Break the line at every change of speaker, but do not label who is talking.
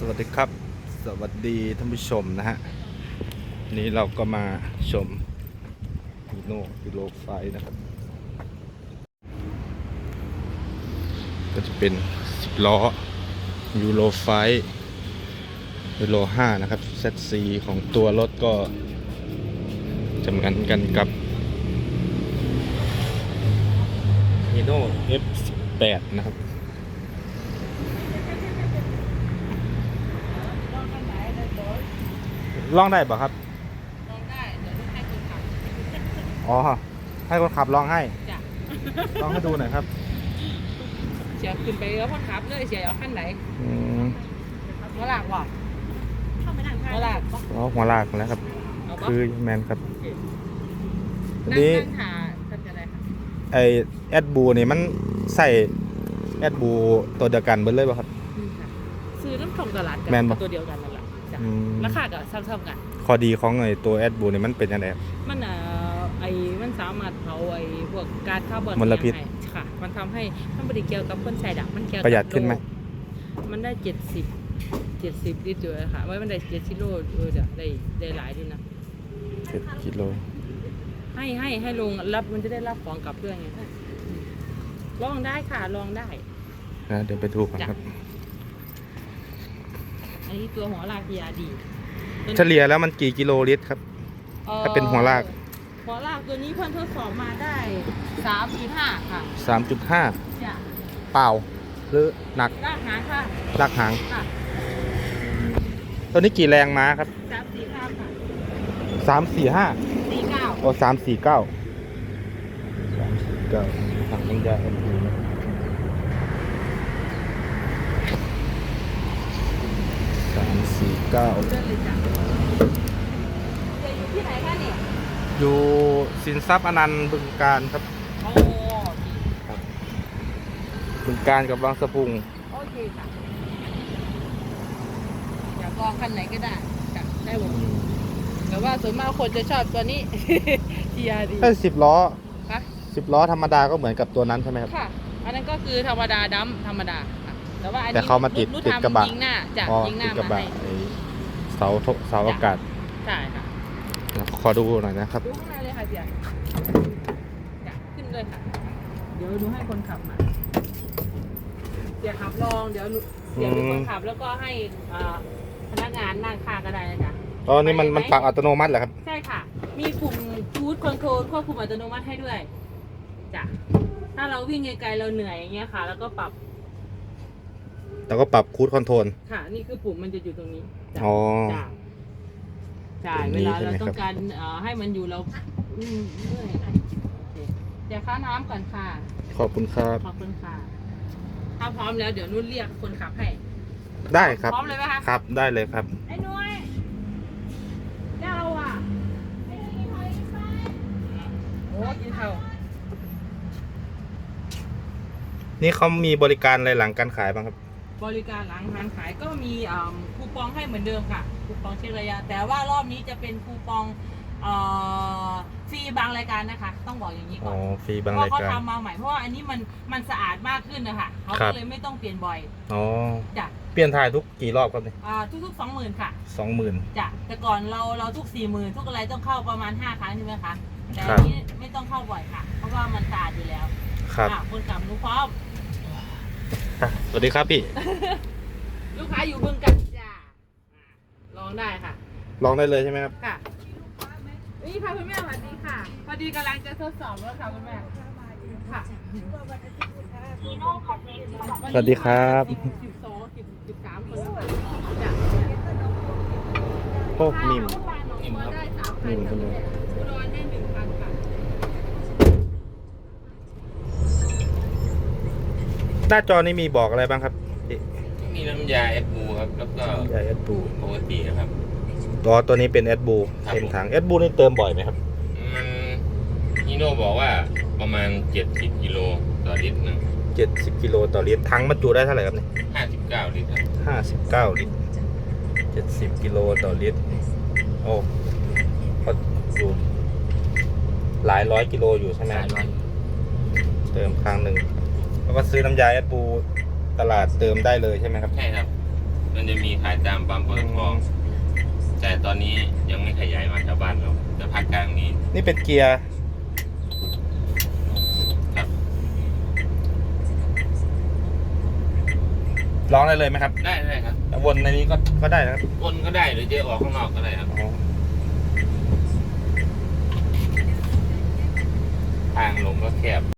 วัสดีครับสวัสดีท่านผู้ชมนะฮะนี้เราก็มาชมฮีโน่ยูโรไฟนะครับก็จะเป็น10 ล้อยูโรไฟยูโร5นะครับ ZC ของตัวรถก็จำกันกับฮีโน่ F18 นะครับลองได้ป่ะครับ
ลองได้เดี๋ยวลูกให้คนขับ
อ๋อให้คนขับลองให้
จ้ะ
ลองให้ดูหน่อยครับ
เสียขึ้นไปแล้วคนขับเลยเสียเอาขั้นไหนหัวหลากว่ะหัวหลาก
อ๋อหัวลากแล้วครับคือแมนครับอัน
นั่
นี้
งหาทำอะไรคะ
ไอแอดบูนี่มันใส่แอดบูตัวเดียวกันเบิดเลยป่ะครับ
ซื้อน้ำส่งตลาดกั
แม่นบ่
ตัวเดียวกันนั่นแหละจ้ะราคาก็ซ้ำๆกัน
ข้อดีของไอตัวแอดบูนี่มันเป็นยังไงครับ
มันมันสามารถเผาพวกก๊าซคาร์บอน
มลพิษ
ค่ะมันทำให้มันบริเกี่ยวกับคนใส่ดับมันเกี่ยวกับ
ประหยัดขึ้นไหม
มันได้70ลิตรอยู่ค่ะไว้มันได้70โลได้หลายด้วยนะ
7 กิโล
ให้ลงรับมันจะได้รับของกลับด้วยไงลองได้ค่ะลองได้
นะเดี๋ยวไปดูกันครับ
อันนี้ตัวหัวลากยาดี
เฉลี่ยแล้วมันกี่กิโลลิตรครับถ้าเป็นหัวลาก
ตัวนี้เพิ่นทดสอบมาได้3.5ค่ะ
3.5
จ้ะ
เปล่าหรือหนัก
ลากหางค่ะ
ลากหาง
ค่ะ
ตัวนี้กี่แรงม้าครับ
345ค่ะ
345
49
โอ้349ทางน้ำยาแอดบูนะ349
เลื่อนเลยจ้ะอยู่ที่ไหนคะเนี่ย
อยู่สินทรัพย์อนันต์บึงกาฬครับ
โอ้
ครับบึงกาฬกับบางสะพุง
โอเคค่ะอยากลองคันไหนก็ได้จ้ะได้หมดแต่ว่าส่วนมากคนจะชอบตัวนี้ TRD
ถ้า10 ล้อ
คะ
10 ล้อธรรมดาก็เหมือนกับตัวนั้นใช่ไหมครับ
ค่ะอันนั้นก็คือธรรมดาดัมธรรมดาค่ะแต่ว่าอันนี้
แต่เขามาติดกระบะ
ยิงหน้าจ้ะยิงหน้ามาให้
เสาอากาศ
ใช่ค่ะ
ขอดูหน่อยนะครับ
ดูข้างในเลยค่ะเสียจ้ะขึ้นเลยค่ะเดี๋ยวดูให้คนขับมาเสียขับลองเดี๋ยวเสียเป็นคนขับแล้วก็ให้พนักงานนั่งข้างก็ได้นะจ๊ะ
อ๋อนี่มันปรับอัตโนมัติเหรอครับ
ใช่ค่ะมีปุ่มคูดคอนโทรลควบคุมอัตโนมัติให้ด้วยจ้ะถ้าเราวิ่งไกลๆเราเหนื่อยอย่างเงี้ยค่ะแล้วก็ปรับ
คูดคอนโทรล
ค่ะนี่คือปุ่มมันจะอยู่ตรงนี้
อ๋อ
จ้ะใช่เวลาเราต้องการให้มันอยู่เราเมื่อยเดี๋ยวค่าน้ำก่อนค่ะ
ขอบคุณครับ
ขอบคุณค่ะถ้าพร้อมแล้วเดี๋ยวนุ่นเรียกคนขับให้
ได้ครับ
พร้อมเลยไหมคะ
ครับได้เลยครับ
ไอ้นุ้ยเจ้าอ่ะโอ้กินข้าว
นี่เขามีบริการอะไรหลังการขายบ้างครับ
บริการหลังการขายก็มีคูปองให้เหมือนเดิมค่ะคูปองเช็คระยะแต่ว่ารอบนี้จะเป็นคูปองฟรีบางรายการนะคะต้องบอกอย่างนี้ก่อน
ฟรีบางรายการ
เพราะเขาทำมาใหม่เพราะว่าอันนี้มันสะอาดมากขึ้นนะคะเขาก็เลยไม่ต้องเปลี่ยนบ่อย
อ๋อ
จ้ะ
เปลี่ยนถ่ายทุกกี่รอบครับเนี่ย
ทุก20,000ค่ะ
20,000
จ้ะแต่ก่อนเราทุก40,000ทุกอะไรต้องเข้าประมาณ5 ครั้งใช่ไหมคะแต่อันนี้ไม่ต้องเข้าบ่อยค่ะเพราะว่ามันสะอาดอยู่แล้ว
ครับ
คนกลับรู้พร้อม
สวัสดีครับพี่
ลูกค้าอยู่บึงกันจ้าลองได้ค่ะ
ลองได้เลยใช่ไหมครับ
ค่ะนี่ค่ะคุณแม่สวัสดีค่ะพอดีกำลังจะทดสอบแล้วค่ะคุณแม่ค่ะ
สวัสดีครับ
12 13 คน
จ้ะพวกนิ่มครับนิ่มใช่ไหม
อุดรได้1,000ค่ะ
หน้าจอนี้มีบอกอะไรบ้างครับ
มีน้ำยาแอดบูครับแล้วก็
ยาแอดบู
ปกตินะครับ
ตัวนี้เป็นแอดบูเต็มถังแอดบูนี่เติมบ่อยไหมครับ
มันฮีโน่บอกว่าประมาณ70 กิโลต่อลิตรนะ
70 กิโลต่อลิตรถังบรรจุได้เท่าไหร่ครับเนี่ย
59 ลิตรครับ
59 ลิตร70 กิโลต่อลิตรโอ้เขาอยู่หลายร้อยกิโลอยู่ใช่ไหมเติมครั้งหนึ่งแล้วก็ซื้อน้ำยาแอดบูตลาดเติมได้เลยใช่ไหมครับ
ใช่ครับมันจะมีขายตามปั๊มปตทแต่ตอนนี้ยังไม่ขยายมาชาวบ้านเราแต่ภาคกลางนี้
นี่เป็นเกียร์
ครับ
ร้องได้เลยไหมครับ
ได้ครับ
วนในนี้ก็ได้นะครับ
วนก็ได้หรือจะออกข้างนอกก็ได้ครับ ทางลงก็แคบ